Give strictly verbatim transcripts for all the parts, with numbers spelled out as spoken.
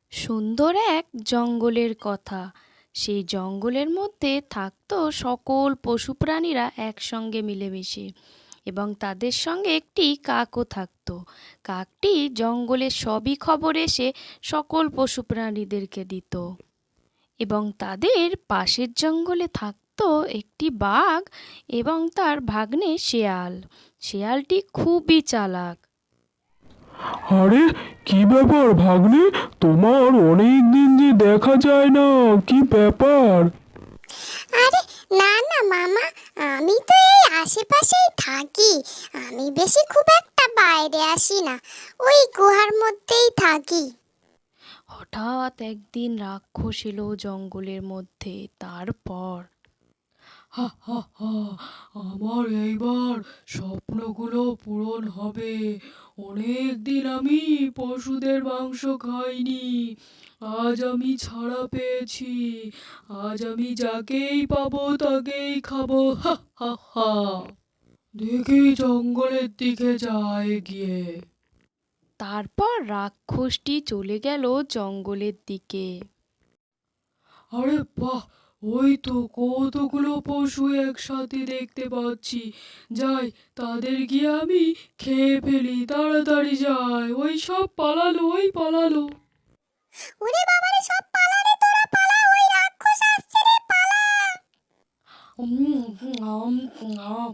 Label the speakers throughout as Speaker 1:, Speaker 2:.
Speaker 1: সুন্দর এক জঙ্গলের কথা। সেই জঙ্গলের মধ্যে থাকতো সকল পশু প্রাণীরা একসঙ্গে মিলেমিশে, এবং তাদের সঙ্গে একটি কাকও থাকতো। কাকটি জঙ্গলের সবই খবর এসে সকল পশু প্রাণীদেরকে দিত। এবং তাদের পাশের জঙ্গলে থাকতো একটি বাঘ এবং তার ভাগ্নে শেয়াল। শেয়ালটি খুবই চালাক।
Speaker 2: আরে, কি ব্যাপার ভাগ্নে? তোমার অনেক দিন যে দেখা যায় না, কি ব্যাপার?
Speaker 3: আরে না না মামা, আমি তো এই আশেপাশেই থাকি। আমি বেশি খুব একটা বাইরে আসি না, ওই গুহার মধ্যেই থাকি।
Speaker 1: হঠাৎ একদিন রাক্ষস এলো জঙ্গলের মধ্যে। তারপর
Speaker 4: হা হা হা, আমার এইবার স্বপ্নগুলো পূরণ হবে। অনেক দিন আমি পশুদের মাংস খাইনি, আজ আমি ছাড়া পেয়েছি। আজ আমি যাকেই পাবো তাকেই খাবো। হা হা হা। দেখি জঙ্গলের দিকে যায় গিয়ে।
Speaker 1: তারপর রাক্ষসটি চলে গেল জঙ্গলের দিকে।
Speaker 4: আরে বাহ, ওই তো কতগুলো পশু একসাথে দেখতে পাচ্ছি। যাই, তাদের গিয়ে আমি খেয়ে ফেলি। তাড়াতাড়ি যায়, ওই সব পালালো, ওই পালালো।
Speaker 3: ওরে বাবারে, সব পালা রে, তোরা পালা, ওই রাক্ষস আসছে রে, পালা।
Speaker 4: উম, আম, আম।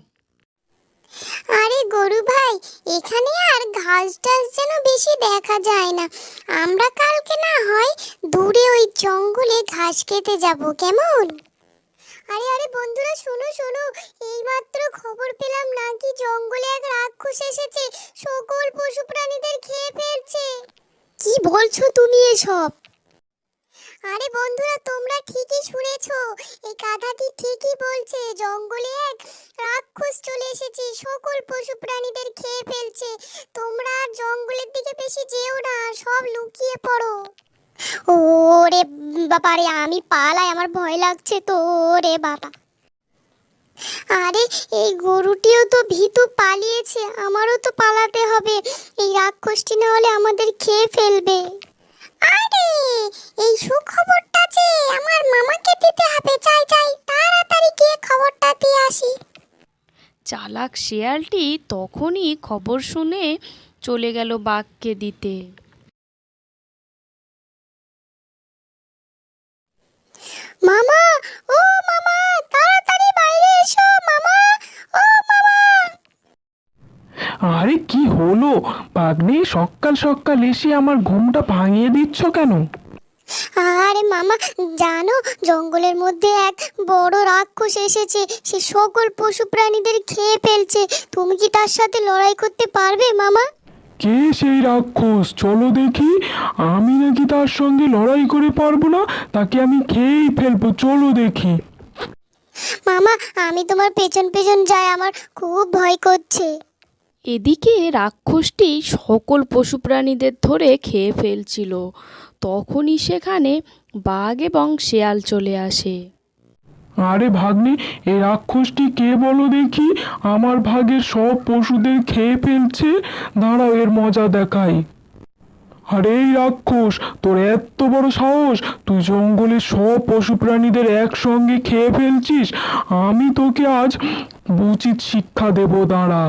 Speaker 3: আরে গরু ভাই, এখানে আর ঘাস টাস যেন বেশি দেখা যায় না। আমরা কালকে না হয় দূরে ওই জঙ্গলে ঘাস খেতে যাব, কেমন? আরে আরে বন্ধুরা, শোনো শোনো, এইমাত্র খবর পেলাম নাকি জঙ্গলে এক রাক্ষস এসেছে, সকল পশু প্রাণীদের খেয়ে ফেলছে। কি বলছো তুমি এসব? আরে বন্ধুরা, তোমরা ঠিকই শুনেছো, এই গাধাটি ঠিকই বলছে। জঙ্গলে এক রাক্ষস চলে এসেছে, সকল পশু প্রাণীদের খেয়ে ফেলছে। তোমরা আর জঙ্গলের দিকে বেশি যেও না, সব লুকিয়ে পড়ো। ওরে বাবা রে, আমি পালাই, আমার ভয় লাগছে তো রে বাবা। আরে এই গরুটিও তো ভীতু, পালিয়েছে, আমারও তো পালাতে হবে। এই রাক্ষসটি না হলে আমাদের খেয়ে ফেলবে। আরে এই সুখবরটা যে আমার মামাকে দিতে হবে, চাই চাই তাড়াতাড়ি গিয়ে খবরটা দিয়ে আসি।
Speaker 1: চালাক শেয়ালটি তখনই খবর শুনে চলে গেল বাঘকে দিতে।
Speaker 3: মামা, ও মামা, তাড়াতাড়ি বাইরে এসো মামা, ও মামা।
Speaker 2: আরে কি হলো ভাগ্নে? সকাল সকাল এসে আমার ঘুমটা ভাঙিয়ে দিচ্ছ কেন?
Speaker 3: আরে মামা, জানো জঙ্গলের মধ্যে এক বড় রাক্ষস এসেছে, সে সকল পশু প্রাণীদের খেয়ে ফেলছে। তুমি কি তার সাথে লড়াই করতে পারবে মামা?
Speaker 2: কে সেই রাক্ষস? চলো দেখি। আমি নাকি তার সঙ্গে লড়াই করে পারবো না, তাকে আমি খেয়েই ফেলবো, চলো দেখি।
Speaker 3: মামা, আমি তোমার পেছন পেছন যাই, আমার খুব ভয় করছে।
Speaker 1: এদিকে রাক্ষসটি সকল পশু প্রাণীদের ধরে খেয়ে ফেলছিল। তখনই সেখানে বাঘ এবং শেয়াল চলে আসে।
Speaker 2: আরে ভাগ্নে, এই রাক্ষসটি কে বলো দেখি? আমার ভাগের সব পশুদের খেয়ে ফেলছে। দাঁড়াও, এর মজা দেখাই। আরে এই রাক্ষস, তোর এত বড় সাহস, তুই জঙ্গলের সব পশু প্রাণীদের একসঙ্গে খেয়ে ফেলছিস। আমি তোকে আজ উচিত শিক্ষা দেব, দাঁড়া।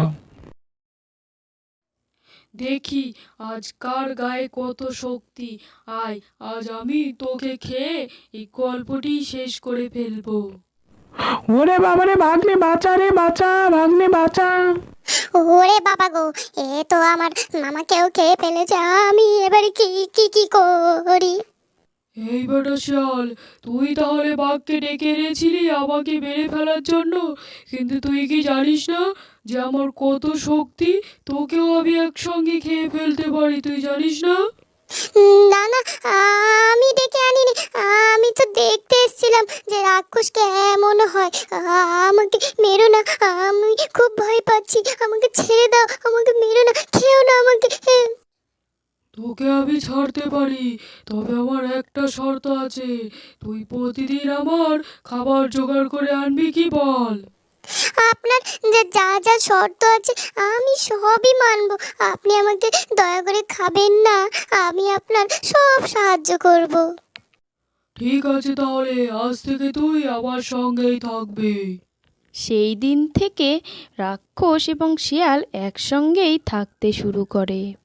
Speaker 4: দেখি আজ কার গায়ে কত শক্তি। আয়, আজ আমি তোকে খেয়ে এই গল্পটি শেষ করে ফেলবো।
Speaker 2: ওরে বাবারে, ভাগ্নে বাঁচা রে, বাঁচা ভাগ্নে, বাঁচা।
Speaker 3: ওরে বাবা গো, এ তো আমার মামাকেও খেয়ে ফেলেছে। আমি এবারে কি কি কি করি?
Speaker 4: এই বেটা শিয়াল, তুই তাহলে বাঘকে ডেকে এনেছিলি আমাকে মেরে ফেলার জন্য, কিন্তু তুই কি জানিস না যে আমার কত শক্তি? তোকেও আমি একসঙ্গে খেয়ে ফেলতে পারি, তুই জানিস না?
Speaker 3: উম, না না, আমি ডেকে আনিনি। আমি তো দেখতে এসেছিলাম যে রাক্ষসকে এমন হয়। আ- আমাকে মেরো না, আমি খুব ভয় পাচ্ছি। আমাকে ছেড়ে দাও, আমাকে মেরো না, খেও না আমাকে।
Speaker 4: তোকে আমি ছাড়তে পারি, তবে আমার একটা শর্ত আছে। তুই প্রতিদিন আমার খাবার জোগাড় করে আনবি, কি বল?
Speaker 3: আপনার যা- যা যা শর্ত আছে আমি সবই মানব। আপনি আমাকে দয়া করে খাবেন না, আমি আপনার সব সাহায্য করব।
Speaker 4: ঠিক আছে, তাহলে আজ থেকে তুই আমার সঙ্গেই থাকবি।
Speaker 1: সেই দিন থেকে রাক্ষস এবং শিয়াল একসঙ্গেই থাকতে শুরু করে।